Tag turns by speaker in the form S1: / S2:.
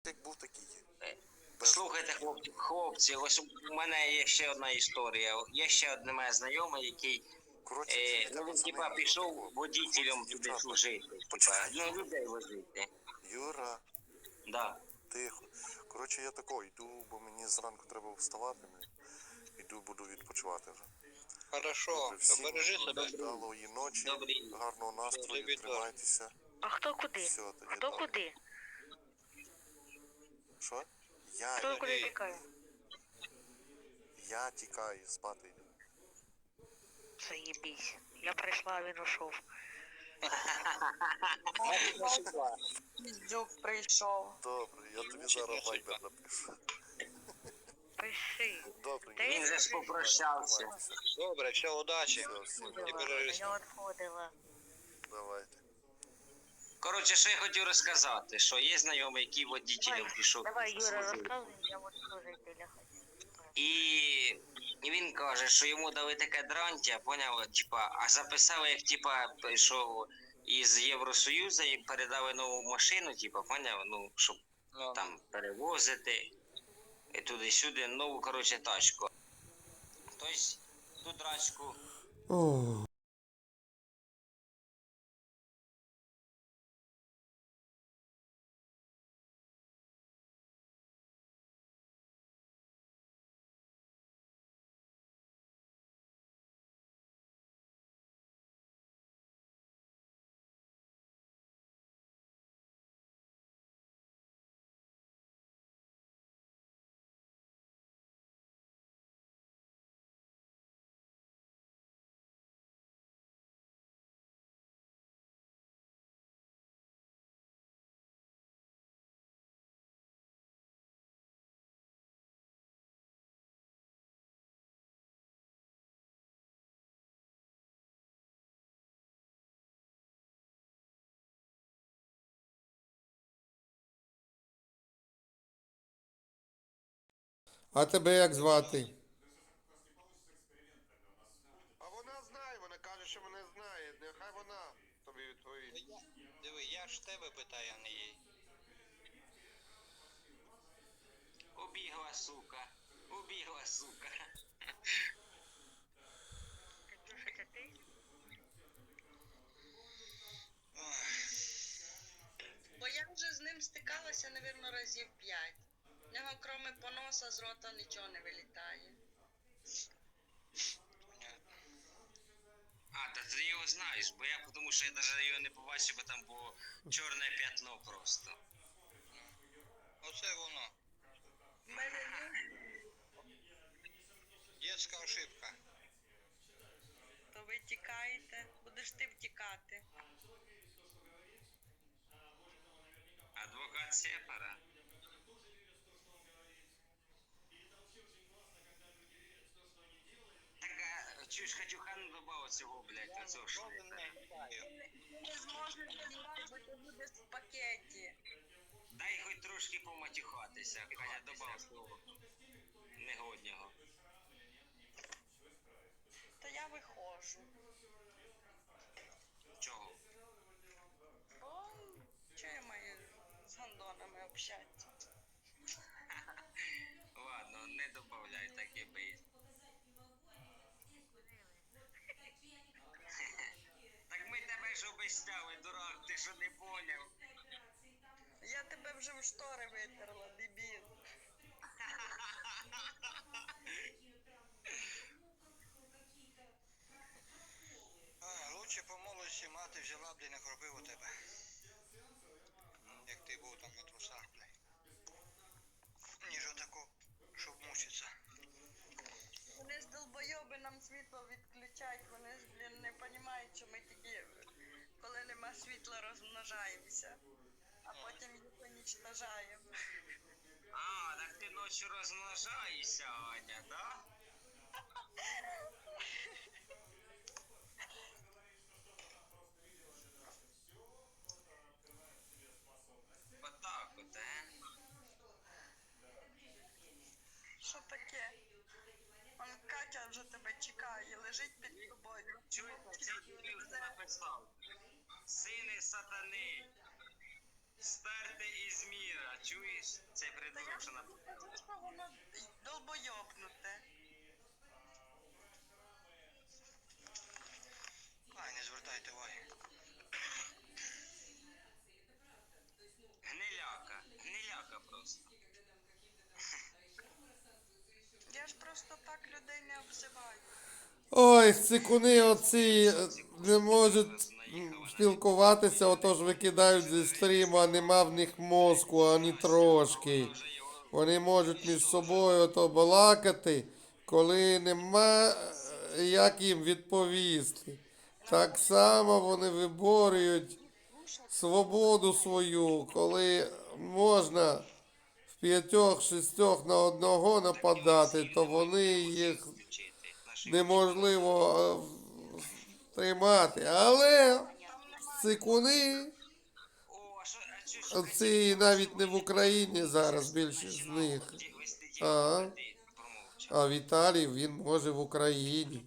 S1: Як був, такий є.
S2: Слухайте, хлопці, ось у мене є ще одна історія. Є ще одне моє знайоме, який він типа пішов водителем туди служити. Ну, людей возити.
S1: Юра,
S2: Да.
S1: тихо. Коротше, я тако йду, бо мені зранку треба вставати. Йду, буду відпочивати вже.
S3: Хорошо, бережи себе.
S1: Вдалої ночі,
S2: Добрий.
S1: гарного настрою, тримайтеся.
S4: А хто куди?
S1: Все, тоді
S4: Хто
S1: добре.
S4: куди?
S1: Що?
S4: Хто куди тікає?
S1: Я тікаю, спати йду.
S4: Заєбісь. Я прийшла, а він ушов.
S5: Піздюк прийшов.
S1: Добре, я тобі зараз вайбер напишу.
S4: Пиши.
S1: Добре,
S4: Та
S2: Він же ж попрощався.
S1: тримайтеся.
S3: Добре, все, удачі.
S1: Все, всім
S3: І
S1: добре.
S3: бережи
S4: Я
S3: себе.
S4: відходила.
S1: Давайте.
S2: Коротше, що я хотів розказати, що є знайомий, який водителем пішов.
S4: Давай, Юра,
S2: служити.
S4: розказуй, я от служителя хочу.
S2: І він каже, що йому дали таке дрантя, поняв, типа, а записали, як типа, що із Євросоюзу і передали нову машину, типа, поняв, ну, щоб там перевозити і туди-сюди, нову, коротше, тачку. Тобто, ту драчку.
S6: А тебе як звати?
S7: А вона знає, вона каже, що мене знає. Нехай вона тобі відповість.
S3: Диви, я ж тебе питаю, а не їй.
S2: Убігла, сука. Убігла, сука.
S4: Катюша, це ти?
S5: Бо я вже з ним стикалася, навірно, разів 5. В нього, крім поноса, з рота нічого не вилітає.
S3: Понятно.
S2: А, та ти його знаєш, бо я, тому що я навіть його не побачив, бо там було чорне п'ятно просто.
S3: Оце воно.
S5: В мене
S3: Дєцька ошибка.
S5: то ви тікаєте, будеш ти втікати.
S2: Адвокат Сепара. Так, а чуєш, Катюха не добавив цього, блядь, оцього
S3: Що
S2: шлейфа.
S3: не питаю?
S5: Ти не зможеш знімати, бо ти будеш в пакеті.
S2: Дай хоч трошки поматюхатися, Катя, добав свого негоднього.
S5: То я виходжу.
S2: Чого?
S5: Бо чого я маю з гандонами общатися?
S2: Ладно, не добавляй, так і бий. Так ми тебе ж обіцяли, дурак, ти що не поняв?
S5: Я тебе вже в штори витерла, дебіл.
S3: Лучше по молодості мати взяла б і не кропив у тебе. Як ти був там на трусах, блядь. Ніж отако, щоб мучиться.
S5: Вони ж долбойоби нам світло відключають, вони ж, блін, не розуміють, що ми тільки, коли нема світла, розмножаємося, а потім їх уничтожаємо.
S2: А, так ти ночі розмножаєшся, Аня, да? Отак от,
S5: Що таке? Он Катя вже тебе чекає, лежить під тобою.
S2: Чуєте, цей дебіл написав. Сини сатани. Стерти із міра, чуєш? Цей
S5: Та я
S2: придурок, що на...
S5: кажу, що воно долбойобнуте.
S3: Ай, не звертайте уваги.
S2: Гниляка просто.
S5: Я ж просто так людей не обзиваю.
S6: Ой, цикуни оці не можуть спілкуватися, отож викидають зі стріму, а нема в них мозку, ані трошки. Вони можуть між собою ото балакати, коли нема як їм відповісти. Так само вони виборюють свободу свою, коли можна в 5-6 на одного нападати, то вони їх неможливо тримати. Але цикуни,
S2: О, а що
S6: ці навіть не в Україні зараз більшість з них. А, а Віталій, він може в Україні.